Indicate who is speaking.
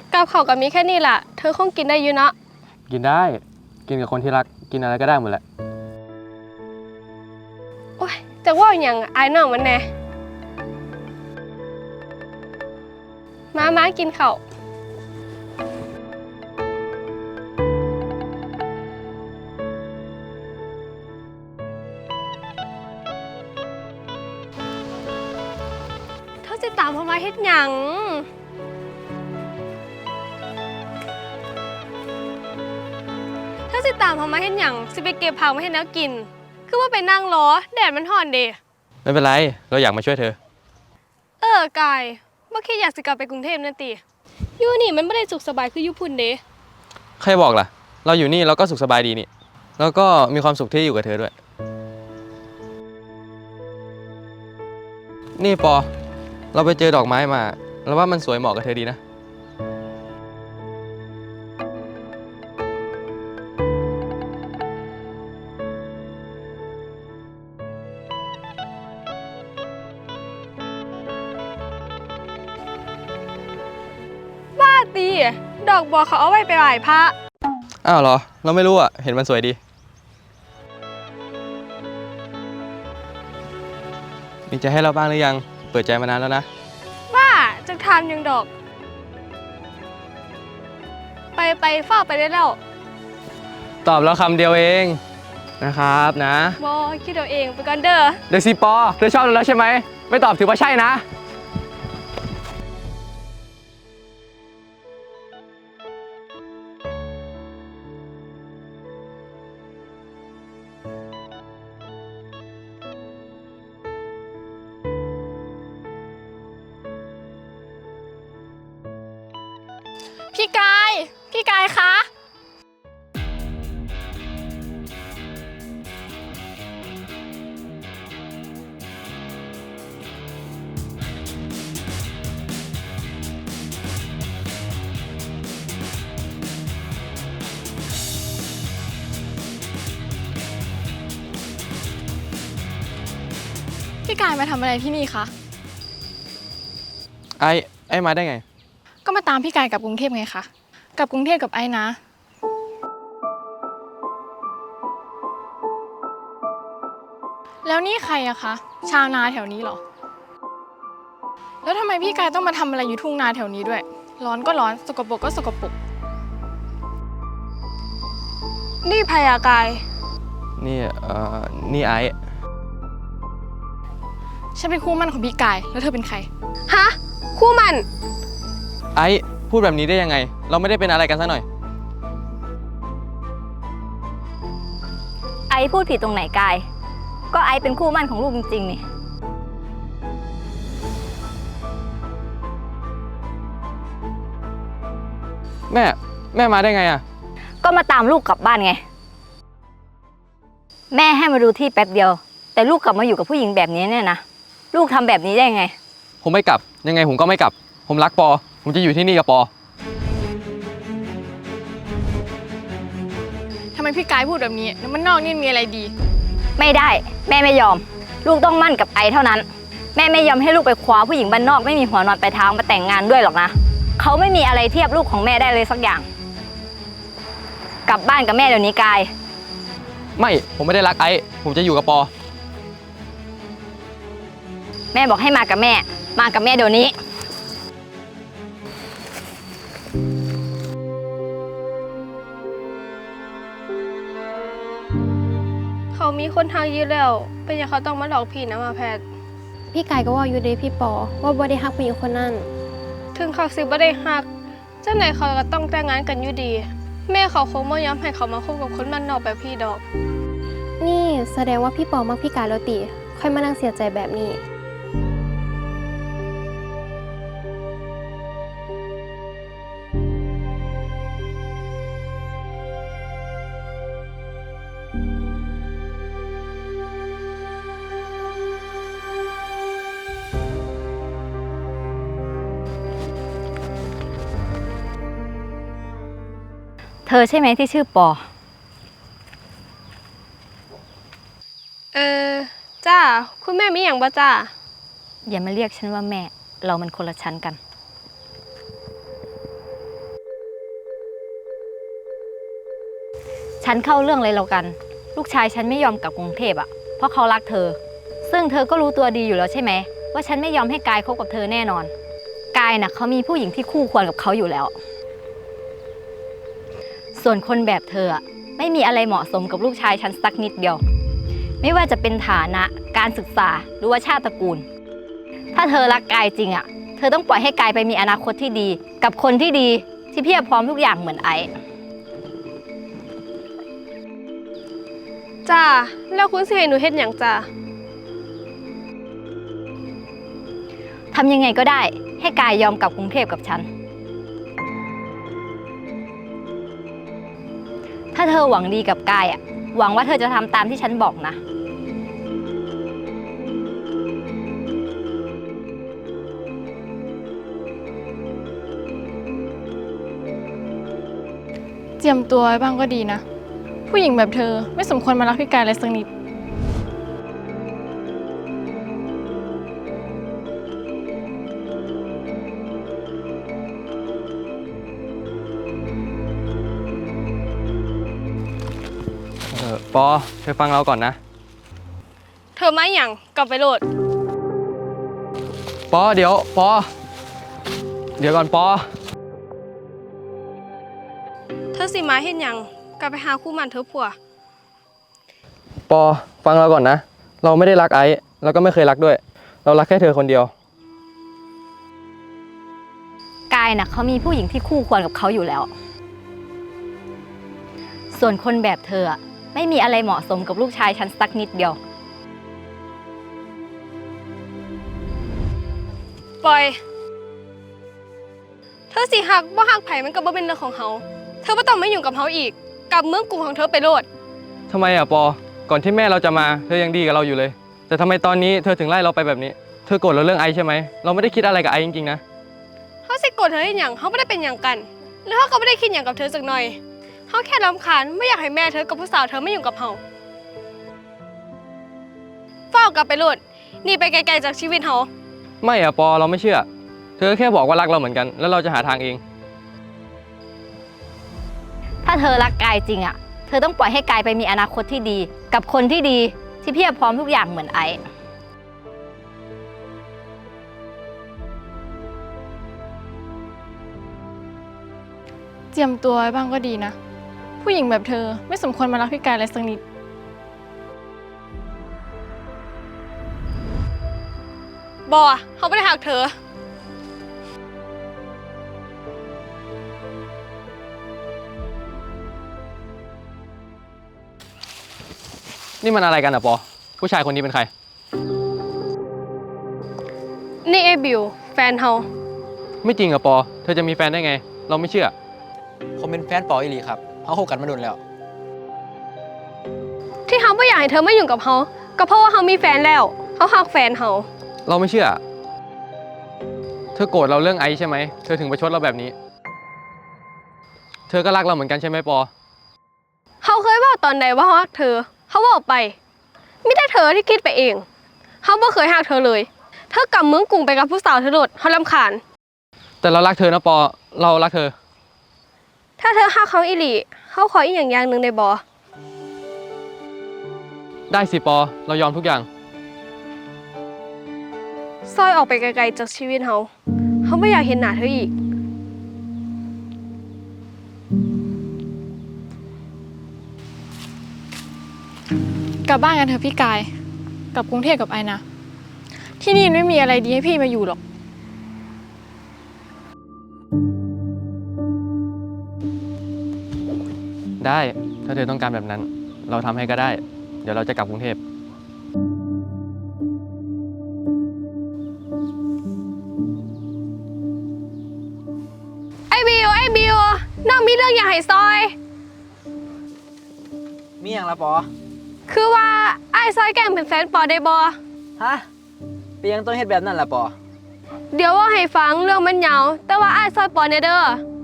Speaker 1: กับเขาวก็มีแค่นี้ล่ะเธอคงกินได้อยู่เนาะ
Speaker 2: กินได้กินกับคนที่รักกินอะไรก็ได้หมดแหละ
Speaker 1: โอ้ยจะว่าอย่างอายน้องมันแน่มากินข้าวเธอจะตามเขามาเฮ็ดหยังเธอสิตามเขามาเฮ็ดหยังสิไปเก็บผักมาให้แนวกินคือว่าไปนั่งรอแดดมันร้อนเดะ
Speaker 2: ไม่เป็นไรเราอยากมาช่วยเธอก
Speaker 1: ายบ่คิดอยากสิกลับไปกรุงเทพนั่นติอยู่นี่มันไม่ได้สุขสบายคืออยู่พุ่นเดะ
Speaker 2: ใครบอกล่ะเราอยู่นี่เราก็สุขสบายดีนี่แล้วก็มีความสุขที่อยู่กับเธอด้วยนี่ปอเราไปเจอดอกไม้มาเราว่ามันสวยเหมาะกับเธอดีนะ
Speaker 1: ตีดอกบัวเขาเอาไว้ไปไหว้พระ
Speaker 2: อ้าวเหรอเราไม่รู้อ่ะเห็นมันสวยดีมีใจให้เราบ้างหรือยังเปิดใจมานานแล้วนะ
Speaker 1: ว่าจะทำยังดอกไปเฝ้าไปได้แล้ว
Speaker 2: ตอบแล้วคำเดียวเองนะครับนะ
Speaker 1: บอคิดเอาเองไปก่อนเด้อ
Speaker 2: เดี๋ยวสิปอเธอชอบเราแล้วใช่ไหมไม่ตอบถือว่าใช่นะ
Speaker 1: พี่กายคะพี่กายมาทำอะไรที่นี่คะ
Speaker 2: ไอ้มาได้ไง
Speaker 1: ก็มาตามพี่กายกลับกรุงเทพไงคะกลับกรุงเทพกับไอ้นะแล้วนี่ใครอะคะชาวนาแถวนี้เหรอแล้วทำไมพี่กายต้องมาทำอะไรอยู่ทุ่งนาแถวนี้ด้วยร้อนก็ร้อนสกปรกก็สกปรกนี่พยากาย
Speaker 2: นี่ไอ้
Speaker 1: ฉันเป็นคู่มั่นของพี่กายแล้วเธอเป็นใครฮะคู่มั่น
Speaker 2: ไอ้พูดแบบนี้ได้ยังไงเราไม่ได้เป็นอะไรกันซะหน่อย
Speaker 3: ไอพูดผิดตรงไหนกายก็ไอเป็นคู่มั่นของลูกจริงๆนี่
Speaker 2: แม่มาได้ไงอ่ะ
Speaker 3: ก็มาตามลูกกลับบ้านไงแม่ให้มาดูที่แป๊บเดียวแต่ลูกกลับมาอยู่กับผู้หญิงแบบนี้เนี่ยนะลูกทำแบบนี้ได้ไง
Speaker 2: ผมไม่กลับยังไงผมก็ไม่กลับผมรักปอผมจะอยู่ที่นี่กับปอ
Speaker 1: ทำไมพี่กายพูดแบบนี้แล้วมันนอกนี่มีอะไรดี
Speaker 3: ไม่ได้แม่ไม่ยอมลูกต้องมั่นกับไอเท่านั้นแม่ไม่ยอมให้ลูกไปคว้าผู้หญิงบ้านนอกไม่มีหัวนอนปลายเท้ามาแต่งงานด้วยหรอกนะเขาไม่มีอะไรเทียบลูกของแม่ได้เลยสักอย่างกลับบ้านกับแม่เดี๋ยวนี้กาย
Speaker 2: ไม่ผมไม่ได้รักไอ้ผมจะอยู่กับปอ
Speaker 3: แม่บอกให้มากับแม่เดี๋ยวนี้
Speaker 1: เขามีคนทางยืดแล้วเป็นอย่างเขาต้องมาหลอกพี่นะมาแพทย์
Speaker 4: พี่กายก็ว่าอยู่ดีพี่ปอว่าบ่ได้ฮักผู้หญิงคนนั้น
Speaker 1: ถึงเขาสิบ่ได้ฮักเจ้าไหนเขาก็ต้องแต่งงานกันอยู่ดีแม่เขาคงไม่ยอมให้เขามาคบกับคนบ้านนอกแบบพี่ดอก
Speaker 4: นี่แสดงว่าพี่ปอมักพี่กายแล้วติค่อยมานั่งเสียใจแบบนี้
Speaker 3: เธอใช่ไหมที่ชื่อปอ
Speaker 1: จ้าคุณแม่มีอย่างบ่จ้า
Speaker 3: อย่ามาเรียกฉันว่าแม่เรามันคนละชั้นกันฉันเข้าเรื่องเลยแล้วกัน ลูกชายฉันไม่ยอมกลับกรุงเทพอะเพราะเขารักเธอ ซึ่งเธอก็รู้ตัวดีอยู่แล้วใช่ไหมว่าฉันไม่ยอมให้กายคบกับเธอแน่นอนกายน่ะเขามีผู้หญิงที่คู่ควรกับเขาอยู่แล้ว ส่วนคนแบบเธออะไม่มีอะไรเหมาะสมกับลูกชายฉันสักนิดเดียว ไม่ว่าจะเป็นฐานะการศึกษาหรือว่าชาติตระกูล ถ้าเธอรักกายจริงอะเธอต้องปล่อยให้กายไปมีอนาคตที่ดี กับคนที่ดีที่เพียบพร้อมทุกอย่างเหมือนไอซ์
Speaker 5: จ้าแล้วคุณสิให้หนูเฮ็ดหยังจ้า
Speaker 3: ทำยังไงก็ได้ให้กายยอมกลับกรุงเทพกับฉัน ถ้าเธอหวังดีกับกายอะหวังว่าเธอจะทำตามที่ฉันบอกนะ
Speaker 1: เจียมตัวไว้บ้างก็ดีนะ ผู้หญิงแบบเธอไม่สมควรมารักพี่กายเลยสักนิด
Speaker 2: ปอเธอฟังเราก่อนนะ
Speaker 5: เธอมาหยังกลับไปโหลด
Speaker 2: ปอเดี๋ยวปอเดี๋ยวก่อนปอ
Speaker 5: เธอสิมาเฮ็ดหยังกลับไปหาคู่หมันเธอผัว
Speaker 2: ปอฟังเราก่อนนะ เราไม่ได้รักไอซ์แล้วก็ไม่เคยรักด้วย เรารักแค่เธอคนเดียว
Speaker 3: กายน่ะเขามีผู้หญิงที่คู่ควรกับเขาอยู่แล้ว ส่วนคนแบบเธออะไม่มีอะไรเหมาะสมกับลูกชายฉันสักนิดเดียว
Speaker 5: ปล่อย เธอสิหักบ่หักไผมันก็บ่เป็นเรื่องของเฮาเธอบ่ต้องมายุ่งกับเฮาอีกกลับเมืองกรุงของเธอไปโลด
Speaker 2: ทำไมอ่ะปอ ก่อนที่แม่เราจะมาเธอยังดีกับเราอยู่เลย แต่ทำไมตอนนี้เธอถึงไล่เราไปแบบนี้ เธอโกรธเราเรื่องไอซ์ใช่ไหม เราไม่ได้คิดอะไรกับไอซ์จริงๆนะ
Speaker 5: เฮาสิโกรธเธอเฮ็ดหยังเฮาบ่ได้เป็นหยังกัน แล้วเฮาก็บ่ได้คิดหยังกับเธอสักหน่อยเฮาแค่รำคาญไม่อยากให้แม่เธอกับผู้สาวเธอมายุ่งกับเฮาฟ้าวกลับไปโลดหนีไปไกลๆจากชีวิตเฮา
Speaker 2: ไม่อ่ะปอเราไม่เชื่อ เธอแค่บอกว่ารักเราเหมือนกัน แล้วเราจะหาทางเอง
Speaker 3: ถ้าเธอรักกายจริงอะเธอต้องปล่อยให้กายไปมีอนาคตที่ดี กับคนที่ดีที่เพียบพร้อมทุกอย่างเหมือนไอซ์
Speaker 1: เจียมตัวไว้บ้างก็ดีนะ ผู้หญิงแบบเธอไม่สมควรมารักพี่กายเลยสักนิด
Speaker 5: บ่เฮาบ่ได้หักเธอ
Speaker 2: นี่มันอะไรกันอ่ะปอ ผู้ชายคนนี้เป็นใคร
Speaker 5: นี่เอบิวแฟนเฮา
Speaker 2: ไม่จริงอ่ะปอ เธอจะมีแฟนได้ไง เราไม่เชื่อ
Speaker 6: ผมเป็นแฟนปออีหลีครับเขาคบกันมาโดนแล้ว
Speaker 5: ที่เฮาบ่อยากให้เธอมายุ่งกับเฮาก็เพราะว่าเฮามีแฟนแล้วเฮาหักแฟนเฮา
Speaker 2: เราไม่เชื่อ เธอโกรธเราเรื่องไอซ์ใช่ไหม เธอถึงประชดเราแบบนี้ เธอก็รักเราเหมือนกันใช่ไหมปอ
Speaker 5: เฮาเคยเว้าตอนใดว่าเฮารักเธอเฮาเว้าไปมีแต่เธอที่คิดไปเองเฮาบ่เคยหักเธอเลยเธอกลับเมืองกรุงไปกับผู้สาวเธอโลดเฮารำคาญ
Speaker 2: แต่เรารักเธอนะปอ เรารักเธอ
Speaker 5: ถ้าเธอหักเขาอีหลีเฮาขออีกอย่างหนึงได้บ่
Speaker 2: ได้สิปอ เรายอมทุกอย่าง
Speaker 5: ซอยออกไปไกลๆจากชีวิตเฮาเฮาบ่อยากเห็นหน้าเธออีก
Speaker 1: กลับบ้านกันเถอะพี่กาย กลับกรุงเทพกับไอนะ ที่นี่ไม่มีอะไรดีให้พี่มาอยู่หรอก
Speaker 2: ได้ ถ้าเธอต้องการแบบนั้น เราทำให้ก็ได้ เดี๋ยวเราจะกลับกรุงเทพ
Speaker 5: ไอ้บิวน้องมีเรื่องอยากให้ซอย
Speaker 6: มีอย่างละปอ
Speaker 5: คือว่าไอ้ายซอยแกล้งเป็นแฟนปอได้บ่
Speaker 6: ฮะเป็นยังต้องเฮ็ดแบบนั้นละปอ
Speaker 5: เดี๋ยวว่าให้ฟังเรื่องมันยาวแต่ว่าไอ้ายซอยปอเนี่ยเด้อ